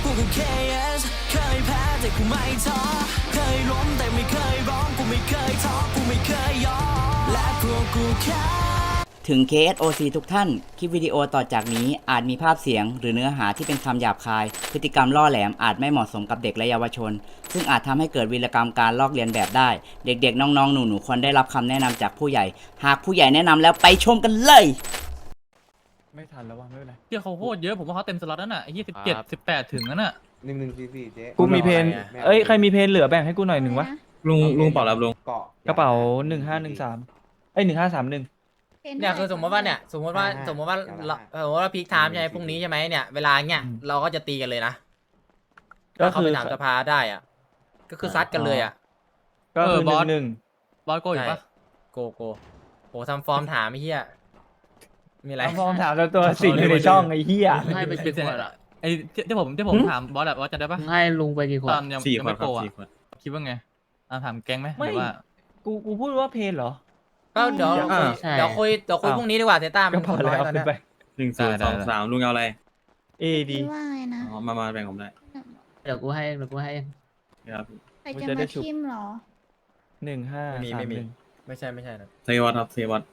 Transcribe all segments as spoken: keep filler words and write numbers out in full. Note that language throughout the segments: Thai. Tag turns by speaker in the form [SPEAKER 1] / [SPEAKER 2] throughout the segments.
[SPEAKER 1] กูคือ เค เอส เคยแพ้แต่กูไม่ท้อเคยล้มแต่ไม่เคยร้องกูไม่เคยท้อกูไม่เคยยอมและพวกกูแค่ถึง เค เอส โอ ซี ทุกท่าน คลิปวิดีโอต่อจากนี้อาจมีภาพเสียงหรือเนื้อหาที่เป็นคำหยาบคาย พฤติกรรมล่อแหลมอาจไม่เหมาะสมกับเด็กและเยาวชน ซึ่งอาจทำให้เกิดวีรกรรมการลอกเลียนแบบได้ เด็กๆ น้องๆ หนูๆ ควรได้รับคำแนะนำจากผู้ใหญ่ หากผู้ใหญ่แนะนำแล้วไปชมกันเลย
[SPEAKER 2] ไม่ทันแล้ววะไม่เป็นไร
[SPEAKER 3] เที่ยเขาโคตรเยอะผมว่าเขาเต็มสล็อตนั่นน่ะไอ้ยี่สิบเจ็ดสิบแปดถึงนั่นน่ะ
[SPEAKER 4] หนึ่งหนึ่งสี่สี่เจ๊
[SPEAKER 2] กูมีเพนเอ้ยใครมีเพนเหลือแบ่งให้กูหน่อยหนึ่งวะ
[SPEAKER 5] ลุงลุงเปล่ารับลุง
[SPEAKER 4] เกาะ
[SPEAKER 2] กระเป๋าหนึ่งห้าหนึ่งสามเอ้ยหนึ่งห้าสามหนึ่ง
[SPEAKER 6] เนี่ยคือสมมติว่าเนี่ยสมมติว่าสมมติว่าเราสมมติว่าพีคไทม์ใช่ไหมพรุ่งนี้ใช่ไหมเนี่ยเวลาเนี่ยเราก็จะตีกันเลยนะ
[SPEAKER 2] ก็
[SPEAKER 6] ถ้าเขา
[SPEAKER 2] คื
[SPEAKER 6] ไป
[SPEAKER 2] อ
[SPEAKER 6] ถามสภาได้อ่ะก็คือซัดกันเลยอ่ะ
[SPEAKER 2] ก็คือหนึ่งหนึ่ง
[SPEAKER 3] บอสโกอยู่ปะ
[SPEAKER 6] โกโกโหทำฟอร์มถามไอ้เหี้ยมีอะไร
[SPEAKER 2] เอาฟอร์มถามแล้วตัวสิ่งอยู่ในช่องไอ้เหี้ย
[SPEAKER 7] ให้ไปกี่ขวดอ่ะ
[SPEAKER 3] ไอ้ที่ที่ผมที่ผมถามบอสแบบว่าจะได้ปะ
[SPEAKER 7] ให้ลุงไปกี่ขว
[SPEAKER 3] ต
[SPEAKER 7] ด
[SPEAKER 3] อนยัง
[SPEAKER 5] สี่
[SPEAKER 3] ยัง
[SPEAKER 5] ขวด
[SPEAKER 3] ไม่
[SPEAKER 5] ค
[SPEAKER 3] โป
[SPEAKER 5] รับ
[SPEAKER 3] รอ่ะ
[SPEAKER 5] สี่ขวด
[SPEAKER 3] คิดว่าไงอ่าถามแก๊งไหมห
[SPEAKER 2] ไม่
[SPEAKER 3] รือว่า
[SPEAKER 2] กูกูพูดว่าเพนเหรอ
[SPEAKER 6] ก็เดี๋ยว
[SPEAKER 5] อ่า
[SPEAKER 6] เดี๋ยวคุยเดี๋ยวคุย
[SPEAKER 2] อ้าว
[SPEAKER 6] พรุ่งนี้ดีกว่าเซต้ามั
[SPEAKER 2] ก็
[SPEAKER 6] น
[SPEAKER 2] พอ
[SPEAKER 6] น้
[SPEAKER 2] แล้
[SPEAKER 6] อยว ตอน
[SPEAKER 2] ขึ้
[SPEAKER 6] เนี้
[SPEAKER 2] น
[SPEAKER 6] ย
[SPEAKER 2] ไป
[SPEAKER 5] หนึ่งศูนย์สองสามลุงเอาอะไร
[SPEAKER 2] เอดี
[SPEAKER 8] คิดว่าไงนะ
[SPEAKER 5] อ๋อมามาแบ่งผมได้
[SPEAKER 7] เดี๋ยวกูให้เองเดี๋ยวกูให้เอง
[SPEAKER 5] ครับ
[SPEAKER 8] ใครจะมาชิมเหรอ
[SPEAKER 2] หนึ่งห้า
[SPEAKER 6] ไม่มี
[SPEAKER 2] สาม
[SPEAKER 6] ไม่มี
[SPEAKER 2] หนึ่ง
[SPEAKER 6] ไม่ใช่ไม่ใช่นะ
[SPEAKER 5] เซวัตครับเซวัต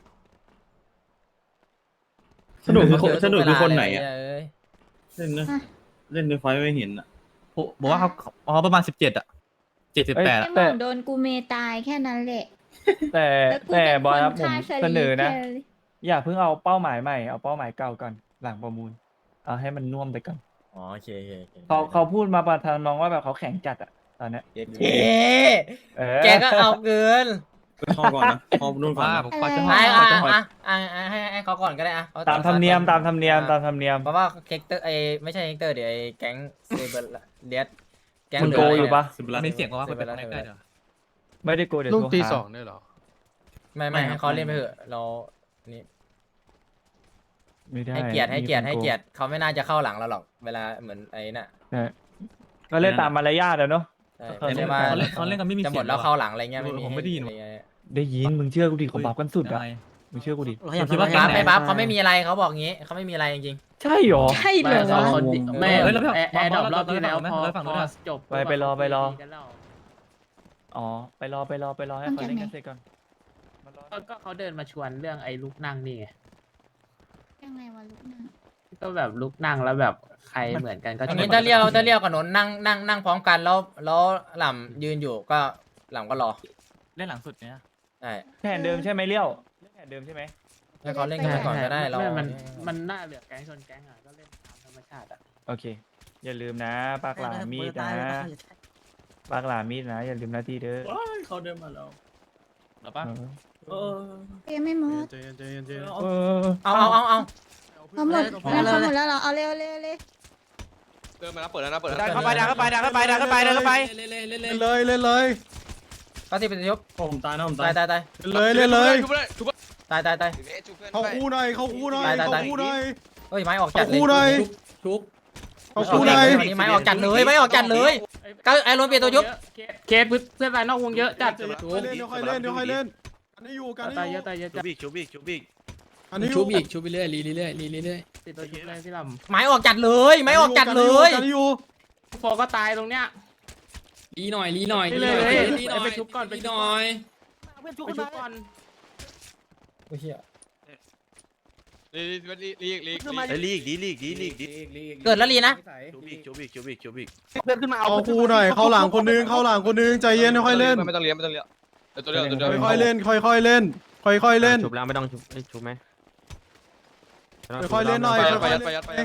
[SPEAKER 5] สนุกคือคนสนุกคือคนไหนอ่ะ
[SPEAKER 6] เอ้ย
[SPEAKER 5] เล่นนะ
[SPEAKER 8] อ่ะ
[SPEAKER 5] เล่นในไฟไม่เห็นอ่ะ
[SPEAKER 3] ผมบอกว่าเขาอ๋อประมาณสิบเจ็ดอ่ะเจ็ดสิบแปด
[SPEAKER 8] ไอ้
[SPEAKER 3] อ่ะ
[SPEAKER 8] หมองโดนกูเมตายแค่นั้นแหละ
[SPEAKER 2] แต่
[SPEAKER 8] แล้วกู
[SPEAKER 2] แต่
[SPEAKER 8] เป็น
[SPEAKER 2] บอสครับ
[SPEAKER 8] ค
[SPEAKER 2] ผม
[SPEAKER 8] ฆ่าชาลี
[SPEAKER 2] เสนอนะ
[SPEAKER 8] แค่
[SPEAKER 2] อย่าเพิ่งเอาเป้าหมายใหม่เอาเป้าหมายเก่าก่อนหลังประมูลเอาให้มันน่วมไปก่อน
[SPEAKER 6] อ๋อโอเคโอเคโอค
[SPEAKER 2] เขาเขาพูดมาประทานน้องว่าแบบเขาแข็งจัดอะตอนเนี้ย
[SPEAKER 6] เอ๊ะ
[SPEAKER 2] เออ
[SPEAKER 6] แกก็เอาเกิน
[SPEAKER 5] ข้อก่อนนะข้อรุ่นก่อน
[SPEAKER 3] ว่า
[SPEAKER 5] นะ
[SPEAKER 3] ผมกว่าจะ
[SPEAKER 6] ให้
[SPEAKER 3] กว่า
[SPEAKER 6] อ่ะ
[SPEAKER 3] จะ
[SPEAKER 6] อ่ะอ่ะอ่ะให้ให้เขาก่อนก็ได้อ่ะเข
[SPEAKER 2] ตามธรรมเนียมตามธรรมเนียม
[SPEAKER 6] อ่ะ
[SPEAKER 2] ตามธรรมเนียม
[SPEAKER 6] เพราะว่าเฮกเตอร์ไอไม่ใช่เฮกเตอร์เดี๋ยวไอแก๊งเซเบอร์เดียสแก๊ง
[SPEAKER 2] มึง
[SPEAKER 6] เดื
[SPEAKER 2] โก
[SPEAKER 6] ด
[SPEAKER 2] อยู่ปะ
[SPEAKER 5] สิบล้าน
[SPEAKER 3] มีเสียงว่าคนเป็นคนใกล้ๆเดี๋ยว
[SPEAKER 2] ไม่ได้โกเดี๋ยว
[SPEAKER 7] ลุง
[SPEAKER 2] โทร
[SPEAKER 7] ตี
[SPEAKER 2] หา
[SPEAKER 7] สองด้วยเหรอ
[SPEAKER 6] ไม่ไม่ให้เขาเล่นไปเถอะเรานี่
[SPEAKER 2] ไม่ได้
[SPEAKER 6] ให้เกียรติให้เกียรติ
[SPEAKER 2] มีคน
[SPEAKER 6] ให้
[SPEAKER 2] โ
[SPEAKER 6] เกียรติเขาไม่น่าจะเข้าหลังเราหรอกเวลาเหมือนไอ้น่ะ
[SPEAKER 2] ใช่ก็เล่นตามมารยาทอะเนาะ
[SPEAKER 6] ใช่
[SPEAKER 2] เขา
[SPEAKER 6] ไม่
[SPEAKER 2] เล่
[SPEAKER 6] ใช่
[SPEAKER 2] น
[SPEAKER 6] ว่า
[SPEAKER 3] เขาเล่นเขาเล่นกันไม่มี
[SPEAKER 6] จะห
[SPEAKER 3] เสี
[SPEAKER 6] ม
[SPEAKER 3] ย
[SPEAKER 6] ด
[SPEAKER 3] ง
[SPEAKER 6] แล้วเข้าหลังอะไรเงี้ย
[SPEAKER 3] เออผมไม่ได้ยิน
[SPEAKER 6] อะรเงี้ย
[SPEAKER 2] ได้ยินมึงเชื่อกูดิเขาบับกันสุดอะ
[SPEAKER 3] ยังไง
[SPEAKER 2] มึงเชื่อกูดิ
[SPEAKER 3] ผมคิดว่า
[SPEAKER 6] บัฟ
[SPEAKER 3] แก๊
[SPEAKER 6] ไม่
[SPEAKER 3] งไหน
[SPEAKER 6] บัฟเขาไม่มีอะไรเขาบอกงี้เขาไม่มีอะไรจริง
[SPEAKER 2] ใช่หรอ
[SPEAKER 8] ใช่เหรอ
[SPEAKER 7] ไม่สองคนไม่
[SPEAKER 3] เฮ้ยแล้วพี่
[SPEAKER 7] แอร์แอร์ดรอปรอบที่แล้ว
[SPEAKER 3] เรา
[SPEAKER 7] พอ
[SPEAKER 3] เราฝั่ง
[SPEAKER 7] พ
[SPEAKER 3] นู้
[SPEAKER 7] อน
[SPEAKER 3] อะ
[SPEAKER 7] จบ
[SPEAKER 2] ไปไปรอไปรอ
[SPEAKER 7] กันแล้ว
[SPEAKER 2] อ๋อไปรอไปรอไปรอให้เขาเล่นกันเสร็จก่อนมารอ
[SPEAKER 7] ก็ก็เขาเดินมาชวนเรื่องไอ้ลุกนั่งนี่ไง
[SPEAKER 8] ยังไงวะลูกนะ
[SPEAKER 7] ก็แบบลุกนั่งแล้วแบบใครเหมือนกันก็
[SPEAKER 6] อัน
[SPEAKER 7] ชว
[SPEAKER 6] นี้ถ้าเรียวถ้าเรียวกับนนท์นั่งนั่งนั่งพร้อมกันแล้วแล้วหล่ำยืนอยู่ก็หล่ำก็รอ
[SPEAKER 3] เล่นหลังสุดเนี่ย
[SPEAKER 6] ใช่
[SPEAKER 2] แผนเดิมใช่ไหมเลี้ยวเล่นแผนเดิมใช่ไหม
[SPEAKER 6] ให้เขาเล่นกันก่อนก็ได้เรา
[SPEAKER 7] ไม่มันมันน่าเหลือแก๊งชนแก๊งอ่ะก็เล่นตามธรรมชาติอ่ะ
[SPEAKER 2] โอเค อย่าลืมนะปากหลามีดนะปากหลามีดนะ อย่าลืมหน้าที่เด้อ
[SPEAKER 5] ว้ายเขาเดินมาแล้ว
[SPEAKER 3] หรอปะ
[SPEAKER 2] เออ
[SPEAKER 5] เออ
[SPEAKER 8] ยังไม่หมด
[SPEAKER 5] ใจเย็นใจเย็นใจเย็น
[SPEAKER 2] เออ
[SPEAKER 6] เอาเอาเอาเอา
[SPEAKER 8] เอาหมดแล้วเขาหมดแล้วเหรอเอาเร็วเร็วเร็ว
[SPEAKER 9] เดินมาแล้วเปิดแล้วนะเปิดแล้ว
[SPEAKER 6] ดัน
[SPEAKER 9] นะ
[SPEAKER 6] เข้าไปดันเข้าไปดันเข้าไปดันเข้าไปดันเข้าไป
[SPEAKER 9] เล่นเลยเล่นเลย
[SPEAKER 6] ก็สิบเป็นยบ
[SPEAKER 5] ผมตายนะผม
[SPEAKER 6] ตา
[SPEAKER 5] ตาย ย
[SPEAKER 6] ตายตาย
[SPEAKER 9] เลยเล่นเลยทุบเลยทุบ
[SPEAKER 6] ตายตายตาย
[SPEAKER 9] เขาคู่หน่อยเขาคู่หน่อย
[SPEAKER 6] ตายตาย
[SPEAKER 9] เขาคู่หน่อย
[SPEAKER 6] เฮ้ยไม้ออกจัดเลย
[SPEAKER 9] คู่หน่อย
[SPEAKER 5] ชุบ
[SPEAKER 9] เขาคู่หน่อย
[SPEAKER 6] ไม้ออกจัดเลยไม้ออกจัดเลยก็ไอ้รถเปลี่ยนตัวยุบ
[SPEAKER 7] เคสเพื่อนรายนอกวงเยอะจัด
[SPEAKER 9] เดี๋ยวค่อยเล่นเดี๋ยวค่อยเล่นเดี๋ยวค่อยเล่นอันนี้อยู่กัน
[SPEAKER 7] ตาย
[SPEAKER 9] นี้
[SPEAKER 7] เย
[SPEAKER 9] อยู่
[SPEAKER 7] อะตายเยอะ
[SPEAKER 5] ชุ
[SPEAKER 7] จั
[SPEAKER 5] บ
[SPEAKER 7] ด
[SPEAKER 5] อีกชุบอีกชุบอีก
[SPEAKER 9] อันนี้อ
[SPEAKER 7] ชุ
[SPEAKER 9] ยู่
[SPEAKER 7] บอีกชุบไปเรื่อยรีเรื่อยรีเรื่อยติดตัวชุบเลยพี่ล
[SPEAKER 6] ไม้ออกจัดเลยไม้ออกจัดเลย
[SPEAKER 9] กันอยู่
[SPEAKER 7] ำโฟก็ตายตรงเนี้ย
[SPEAKER 10] รีหน่อยรีหน่อย
[SPEAKER 7] รีหน่อย
[SPEAKER 10] รีหน่อย
[SPEAKER 7] ไปชุบก่อนไป
[SPEAKER 10] รี
[SPEAKER 7] ชุ
[SPEAKER 10] ห
[SPEAKER 7] บ
[SPEAKER 10] น่อย
[SPEAKER 7] ไปชุบก่อน
[SPEAKER 6] โอ้ยเหี้ย
[SPEAKER 9] ลีลีลีลีลี
[SPEAKER 5] ไอ้ลีกดีลีกดีลีกดี
[SPEAKER 6] เกิดแล้วลีนะ
[SPEAKER 5] ชุบอีกชุบอีกชุบอีกชุบอีก
[SPEAKER 9] เอาคู่หน่อยเข้าหลังคนนึงเข้าหลังคนนึงใจเย็นค่อยๆเล่นไม่ต้องเลี้ยงไม่ต้องเลี้ยงเดี๋ยวตัวเดียวตัวเดียวค่อยๆเล่นค่อยๆเล่นค่อยๆเล่น
[SPEAKER 5] ชุบแล้วไม่ต้องชุบชุบไหม
[SPEAKER 9] ค่อยๆเล่นหน่อย
[SPEAKER 5] ไป
[SPEAKER 9] ค่อยๆ
[SPEAKER 5] ไป
[SPEAKER 9] เล่น
[SPEAKER 5] ไป
[SPEAKER 9] ไป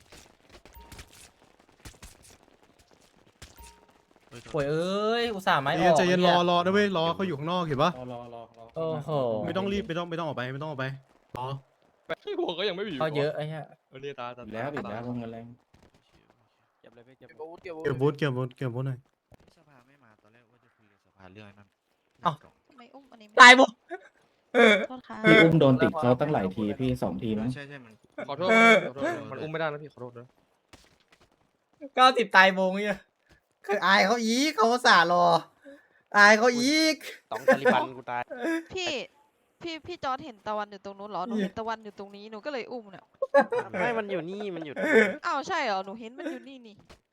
[SPEAKER 6] โอ้ยเอ้ยอุตส่าห์ไม้ออก
[SPEAKER 9] ใจเย็นรอรอนะเว้ยรอเขาอยู่ข้างนอกเห็นปะ
[SPEAKER 6] โอ้โห
[SPEAKER 9] ไม่ต้องรีบไม่ต้องไม่ต้องออกไปไม่ต้องออกไปรอ
[SPEAKER 10] หัวก็ยังไม่มี
[SPEAKER 6] เขาเยอะไอ้เหี้ย
[SPEAKER 10] วันนี้ตาตา
[SPEAKER 5] แล้วปิดแล้วลงเงินแรง
[SPEAKER 9] เก็บบูทเก็บบูทเก็บบูทเก็บบูทหน่อย
[SPEAKER 5] สภาไม่มาตอนแรกว่าจะคุยกับสภาเรื่องนั้น
[SPEAKER 8] ทำไมอุ้มอันนี้
[SPEAKER 6] ตายบุ
[SPEAKER 8] โทษค่ะ
[SPEAKER 11] พี่อุ้มโดนติดเขาตั้งหลายทีพี่สองทีมั้ง
[SPEAKER 5] ใช่ใช่มัน
[SPEAKER 9] ขอโทษขอโทษมันอุ้มไม่ได้นะพี่ขอโทษนะ
[SPEAKER 6] เก้าสิบตายบงเนี่ยคืออายเขาอีกเขาอุตส่าห์รออายเขาอีก
[SPEAKER 9] ต้องตาลิบันกูตาย
[SPEAKER 8] พี่พี่พี่จอร์ดเห็นตะวันอยู่ตรงนู้นเหรอหนูเห็นตะวันอยู่ตรงนี้หนูก็เลยอุ้มเนี่ย
[SPEAKER 9] ไม่มันอยู่นี่มันอยู่
[SPEAKER 8] อ้าวใช่เหรอหนูเห็นมันอยู่นี่นี่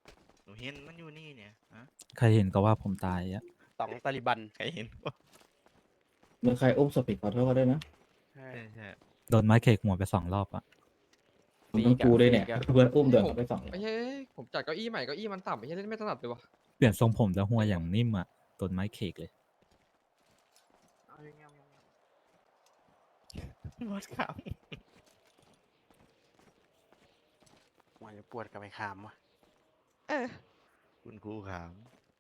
[SPEAKER 5] หนูเห็นมันอยู่นี่เนี่ยฮะ
[SPEAKER 3] ใครเห็นก็ว่าผมตายอะ
[SPEAKER 10] สองตาลิบัน
[SPEAKER 5] ใครเห็น
[SPEAKER 11] มึงใครอุ้มศพผิดขอโทษเขาด้วยนะ
[SPEAKER 5] ใช่ใช่
[SPEAKER 3] โดนไม้เคกหัวไปสองรอบอะ
[SPEAKER 11] มึงต้องกูด้วยเนี่ยเพื่อนอุ้มเดินไปสอง
[SPEAKER 10] ไม่ใช่ผมจัดเก้าอี้ใหม่เก้าอี้มันต่ำไม่ใช่เล่นไม่ถนัดเลยวะ
[SPEAKER 3] เปลี่ยนทรงผมจะหัวอย่างนิ่มอะโดนไม้เคกเลย
[SPEAKER 5] มดครับ
[SPEAKER 7] มันจะปวดกับไปขามวะ
[SPEAKER 8] เออ
[SPEAKER 5] คุณครูขาม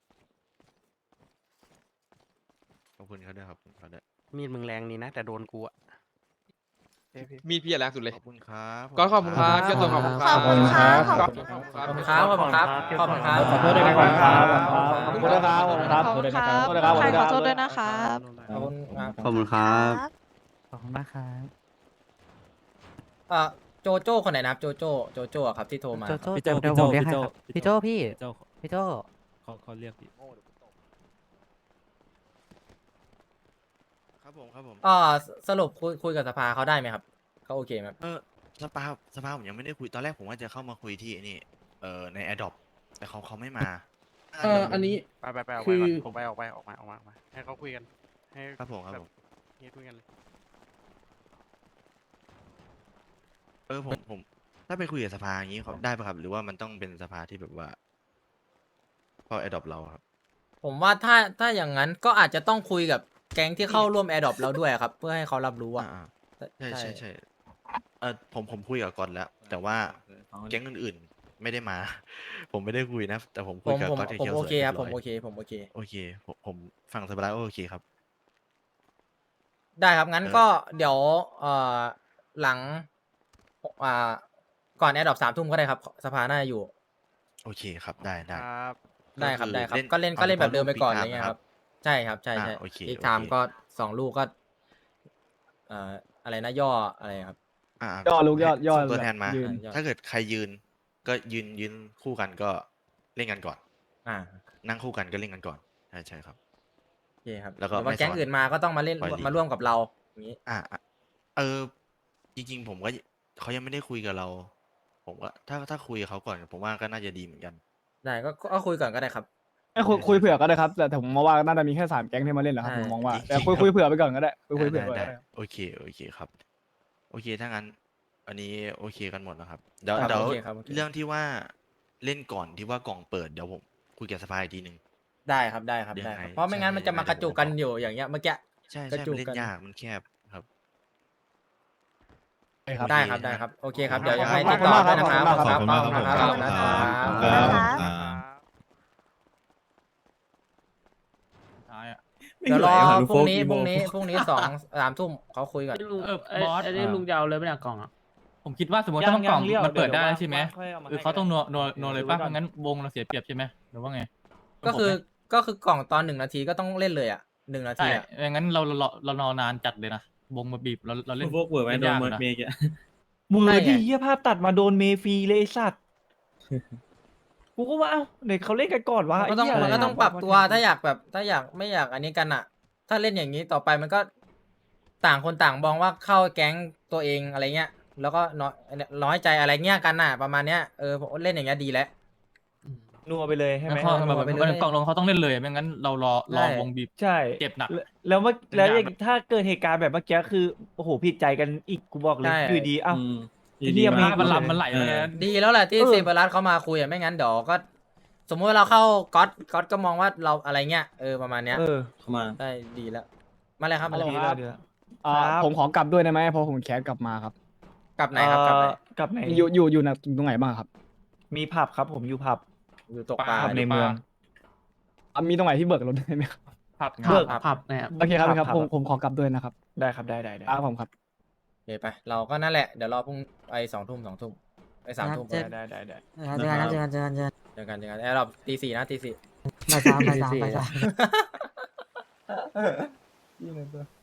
[SPEAKER 5] ขอบคุณเขาด้วยครับขอบคุณเขาด้วย
[SPEAKER 7] มีดมึงแรงนี่นะ แต่โดนกูอะ
[SPEAKER 10] มีดพี่อะแรงสุดเลย
[SPEAKER 5] ขอบคุณครับ
[SPEAKER 10] ก็ขอบคุณครับเจ้าตัวขอบคุณค
[SPEAKER 8] ข
[SPEAKER 10] รั
[SPEAKER 8] อ
[SPEAKER 10] บบ
[SPEAKER 8] คุณครับ
[SPEAKER 10] ข
[SPEAKER 8] ข
[SPEAKER 10] อ
[SPEAKER 8] อ
[SPEAKER 10] บบ คุ
[SPEAKER 8] คุณ ณ
[SPEAKER 10] ครับ
[SPEAKER 6] ขอบคุณครับขอบคุณครับขอบคุณครับ
[SPEAKER 11] ขอโทษด้วยนะครับ
[SPEAKER 8] ขอบคุณครับขอบคุณครับใครขอโทษด้วยนะครับ
[SPEAKER 6] ขอบคุณครับ
[SPEAKER 8] ขอบคุณครับ
[SPEAKER 3] ขอบคุณมากครับ
[SPEAKER 6] เอ่อโจโจ้คนไหนนะครับโจโจ้โจโจ้อะครับที่โทรมา
[SPEAKER 3] พี่โจเดี๋ยวผมเรียกให้ครับพี่โจพี่โจพี่โจเขาเขาเรียกพี่
[SPEAKER 5] ครับผมครับผม
[SPEAKER 6] อ่าสรุปคุยคุยกับสภาเขาได้ไหมครับเขาโอเคไหมครับ
[SPEAKER 5] เออสภาสภาผมยังไม่ได้คุยตอนแรกผมว่าจะเข้ามาคุยที่ไอ้นี่เอ่อใน Adopt แต่เขาเขาไม่มา
[SPEAKER 10] เอออันนี้
[SPEAKER 7] ไปไปไปออก
[SPEAKER 10] คื
[SPEAKER 7] ไป
[SPEAKER 10] อ
[SPEAKER 7] ก่อนออกไปออกไปออกมาออกมาออกมาให้เขาคุยกัน ให้
[SPEAKER 5] ครับผมครับผม
[SPEAKER 7] เฮียคุยกันเลย
[SPEAKER 5] เออผมผมถ้าไปคุยกับสภาอย่างนี้เขาได้ปะครับ หรือว่ามันต้องเป็นสภาที่แบบว่าพอ Adopt เราครับ
[SPEAKER 6] ผมว่าถ้าถ้าอย่างนั้นก็อาจจะต้องคุยกับแก๊งที่เข้าร่วมแอร์ดรอปเราด้วยครับ เพื่อให้เขารับรู้ว่า
[SPEAKER 5] อ่าๆใช่ใช่ใช่เออผมผมคุยกับกอนแล้ว แต่ว่าแก๊งอื่นๆไม่ได้มา ผมไม่ได้คุยนะ แต่ผม
[SPEAKER 6] ผ
[SPEAKER 5] คุย
[SPEAKER 6] ม
[SPEAKER 5] กับ
[SPEAKER 6] ผม
[SPEAKER 5] กอนที่
[SPEAKER 6] ผม
[SPEAKER 5] เคียว
[SPEAKER 6] โอ
[SPEAKER 5] สวย
[SPEAKER 6] เคครับ
[SPEAKER 5] รีย
[SPEAKER 6] ผ
[SPEAKER 5] ร้
[SPEAKER 6] ม
[SPEAKER 5] ย
[SPEAKER 6] โอเคผมโอเค
[SPEAKER 5] โอเคผมผมฟังสบายโอเคครับ
[SPEAKER 6] ได้ครับงั้น
[SPEAKER 5] เออ
[SPEAKER 6] ก็เดี๋ยวเอ่อหลังอ่าก่อนแอร์ดรอปสามทุ่มก็ได้ครับ สภาน่าจะอยู่
[SPEAKER 5] โอเคครับได้ได้
[SPEAKER 7] ครับ
[SPEAKER 6] ได้ครับ
[SPEAKER 5] ก็คือ
[SPEAKER 6] ได้ครับ
[SPEAKER 5] เล่น
[SPEAKER 6] ก็เล่น
[SPEAKER 5] เอา
[SPEAKER 6] ก็เล่นแบบ
[SPEAKER 5] เฉพาะ
[SPEAKER 6] เดิมไป
[SPEAKER 5] ลูก
[SPEAKER 6] ก่อน
[SPEAKER 5] Big
[SPEAKER 6] อะไร
[SPEAKER 5] Time
[SPEAKER 6] เงี้ย
[SPEAKER 5] นะ
[SPEAKER 6] ค
[SPEAKER 5] ครั
[SPEAKER 6] รับ บ ใช่ครับใช่
[SPEAKER 5] อ่า
[SPEAKER 6] ใช่
[SPEAKER 5] โอเค
[SPEAKER 6] อีก
[SPEAKER 5] โอ
[SPEAKER 6] ไทม์
[SPEAKER 5] เค
[SPEAKER 6] ก็สองลูกก็เอ่ออะไรนะย่ออะไรครับ
[SPEAKER 5] อ่า
[SPEAKER 9] ย่อลูกย่อ
[SPEAKER 5] ให้
[SPEAKER 9] ย่อ
[SPEAKER 5] ส่งตัวแทนมา
[SPEAKER 9] ยืน
[SPEAKER 6] ย่อ
[SPEAKER 5] ถ้าเกิดใครยืน ก็ยืนยืนคู่กันก็เล่นกันก่อน
[SPEAKER 6] อ่า
[SPEAKER 5] นั่งคู่กันก็เล่นกันก่อนใช่ใช่ครับ
[SPEAKER 6] โอเคครับ
[SPEAKER 5] แล้วก็
[SPEAKER 6] หรือว่า
[SPEAKER 5] ไม่
[SPEAKER 6] แก๊ง
[SPEAKER 5] สอน
[SPEAKER 6] อื่นมาก็ต้องมาเล่น
[SPEAKER 5] ปล่อยลีก
[SPEAKER 6] มาร่วมกับเราอย่างนี้
[SPEAKER 5] อ่าอ่ะเออ จริง ๆ ผมก็เขายังไม่ได้คุยกับเรา ผมว่าถ้าถ้าคุยกับเขาก่อน ผมว่าก็น่าจะดีเหมือนกัน
[SPEAKER 6] ได้ก็ก็ก็คุยก่อนก็ได้ครับ
[SPEAKER 9] ให้คุยคุยเผื่อก็ได้ครับ แต่ผมมองว่าน่าจะมีแค่สามแก๊งที่มาเล่นแหละครับ
[SPEAKER 6] ใช่
[SPEAKER 9] ผมมองว่า
[SPEAKER 5] จริงๆ
[SPEAKER 9] แต่คุยคุยเผื่อไปก่อนก็ได้คุยคุย
[SPEAKER 5] ได้
[SPEAKER 9] เผื่อ
[SPEAKER 5] ได้
[SPEAKER 9] ไว้ก็
[SPEAKER 5] ได้
[SPEAKER 9] ได้
[SPEAKER 5] โอเคโอเคครับ โอเคถ้างั้น อันนี้โอเคกันหมดแล้วครับเดี๋ยว
[SPEAKER 6] ครับ
[SPEAKER 5] เดี๋ยว
[SPEAKER 6] โอเคครับโอเค
[SPEAKER 5] เรื่องที่ว่าเล่นก่อนที่ว่ากล่องเปิดเดี๋ยวผมคุยกับสภาอีกทีหนึ่ง
[SPEAKER 6] ได้ครับได้ครับ
[SPEAKER 5] ยัง
[SPEAKER 6] ได้ครับ
[SPEAKER 5] ไง
[SPEAKER 6] เพราะไม่งั้น
[SPEAKER 5] ใช่
[SPEAKER 6] มันจะมากระจุกกันอยู่อย่างเงี้ยเมื่อกี้
[SPEAKER 5] ใช่
[SPEAKER 6] กระ
[SPEAKER 5] ใช่
[SPEAKER 6] จุ
[SPEAKER 5] มัน
[SPEAKER 6] ก
[SPEAKER 5] เล่
[SPEAKER 6] กัน
[SPEAKER 5] นยากมันแคบครับ
[SPEAKER 9] ครับ
[SPEAKER 6] ได้ครับได้ครับโอเคครับเดี๋ยวยังไงติดต่อด้วยนะครับขอบคุณครับขอบคุณครับขอบคุณครับ
[SPEAKER 3] ท้ายอะ
[SPEAKER 6] เดี๋ยวรอพรุ่งนี้พรุ่งนี้พรุ่งนี้สองสามทุ่มเขาคุยก่อน
[SPEAKER 7] ลุง
[SPEAKER 3] เออ
[SPEAKER 7] เอ้ย
[SPEAKER 3] บอส
[SPEAKER 7] ไอ้นี่ลุงจะเอาเลยไม่ได้กล่องอ่ะ
[SPEAKER 3] ผมคิดว่าสมมติถ้าต้องกล่อง
[SPEAKER 2] ยังยัง
[SPEAKER 3] มันเปิดได้
[SPEAKER 2] เดี๋ยว
[SPEAKER 3] ใช่ไหม
[SPEAKER 2] ค่อยเอามาให้
[SPEAKER 3] คือเขาต้อง
[SPEAKER 2] ก็ได้
[SPEAKER 3] นัวนัวนัวเลยป่ะ
[SPEAKER 2] เดี๋ยวดูก่อน
[SPEAKER 3] ไม่งั้นวงเราเสียเปรียบใช่ไหมหรือว่าไง
[SPEAKER 6] ก็คือก็คือกล่องตอนหนึ่งนาทีก็ต้องเล่นเลยอ่ะหนึ่งนา
[SPEAKER 3] ใช่
[SPEAKER 6] ทีอ่ะ
[SPEAKER 3] ไม่งั้นเราเราเรานอนานจัดเลยนะวงมาบีบเราเราเล่น
[SPEAKER 2] พวกเวอร์ไว้
[SPEAKER 3] ล่น
[SPEAKER 2] โดน
[SPEAKER 3] ยาก
[SPEAKER 2] เมิร์ด
[SPEAKER 3] นะ
[SPEAKER 2] เมย์อะเวอร์ที่เฮียภาพตัดมาโดนเมฟรีเลยไอ้สัตว์ กูก็ว่าเอ้าเด็กเขาเล่นกันก่อนวะ
[SPEAKER 6] มันก็ต้อง
[SPEAKER 2] ไเหี้ย
[SPEAKER 6] มันก็ต้องปรับตัว
[SPEAKER 2] ะไ
[SPEAKER 6] ถ้าอยากแบบถ้าอยากไม่อยากอันนี้กันอ่ะ ถ้าเล่นอย่างนี้ต่อไปมันก็ต่างคนต่างมองว่าเข้าแก๊งตัวเองอะไรเงี้ย แล้วก็น้อยน้อยใจอะไรเงี้ยกันน่ะ ประมาณเนี้ยเออผมเล่นอย่างเงี้ยดีแล้ว
[SPEAKER 2] นัวไปเลยใช่ไหม
[SPEAKER 3] แล้วเขาแบบ
[SPEAKER 6] ไปเลย
[SPEAKER 3] กล่องลงเขาต้องเล่นเลยไม่งั้นเรารอรอ
[SPEAKER 6] ใช่
[SPEAKER 3] วงบีบ
[SPEAKER 2] ใช่
[SPEAKER 3] เจ็บหนัก
[SPEAKER 2] แล้วแล้วเมื่อแล้ว
[SPEAKER 3] เป็น
[SPEAKER 2] อ
[SPEAKER 3] อย่าง
[SPEAKER 2] ย่างถ้าเกิดเหตุการณ์แบบเมื่อกี้คือโอ้โหผิดใจกันอีกกูบอกเลย
[SPEAKER 6] ใช่
[SPEAKER 2] อยู่ดีเอ้า
[SPEAKER 3] ดี
[SPEAKER 2] เรียก
[SPEAKER 3] มาก
[SPEAKER 2] ไม่
[SPEAKER 3] มันลำมันไหลไปเลย
[SPEAKER 6] ดีแล้วแหละที่
[SPEAKER 2] เออ
[SPEAKER 6] เซเบอรัสเขามาคุยอ่ะไม่งั้นเดี๋ยวก็ สมมติว่าเราเข้าก๊อตก๊อตก็มองว่าเราอะไรเงี้ยเออประมาณเนี้ย
[SPEAKER 2] เออ
[SPEAKER 5] เข้ามา
[SPEAKER 6] ได้ดีแล้ว มาเลยครับมาเลย
[SPEAKER 2] ดี
[SPEAKER 6] ค
[SPEAKER 2] แล้
[SPEAKER 6] รั
[SPEAKER 2] ว
[SPEAKER 6] บ
[SPEAKER 2] ดีแล้ว
[SPEAKER 9] อ่า
[SPEAKER 2] ครับ
[SPEAKER 9] ผมขอกลับด้วยได้ไหมเพราะผมแคสกลับมาครับ
[SPEAKER 6] กลับไหนครับกลับไหน
[SPEAKER 2] เอ่อกลับไหน
[SPEAKER 9] อยู่อยู่อยู่ตรงไหนบ้างครับ
[SPEAKER 2] มีผับครับผมอยู่ผับ
[SPEAKER 6] อยู่ตกปลา
[SPEAKER 2] ผับในเมือง
[SPEAKER 9] อ่ะมีตรงไหนที่เบิกรถได้ไหมครับ
[SPEAKER 3] ผับ
[SPEAKER 2] เบิก
[SPEAKER 7] ผับเนี่ย
[SPEAKER 9] โอเคครับ
[SPEAKER 2] ครับ
[SPEAKER 9] ครับผม
[SPEAKER 2] ครับ
[SPEAKER 9] ผมขอกลับด้วยนะครับ
[SPEAKER 2] ได้ครับได้ได้ได้
[SPEAKER 9] ครับผมครับ
[SPEAKER 6] โอเคไปเราก็นั่นแหละเดี๋ยวรอพรุ่งไอ้สองทุ่มสองทุ่มไอ้สามทุ่ม
[SPEAKER 2] ได้ได้ได้ได้
[SPEAKER 6] เจอกันเจอกันเจอกันเจอกันเจอกันเจอกันไอ้รอบตีสี่นะตีสี่
[SPEAKER 7] บ่ายสามบ่ายสามบ่ายสาม
[SPEAKER 6] ตีสี่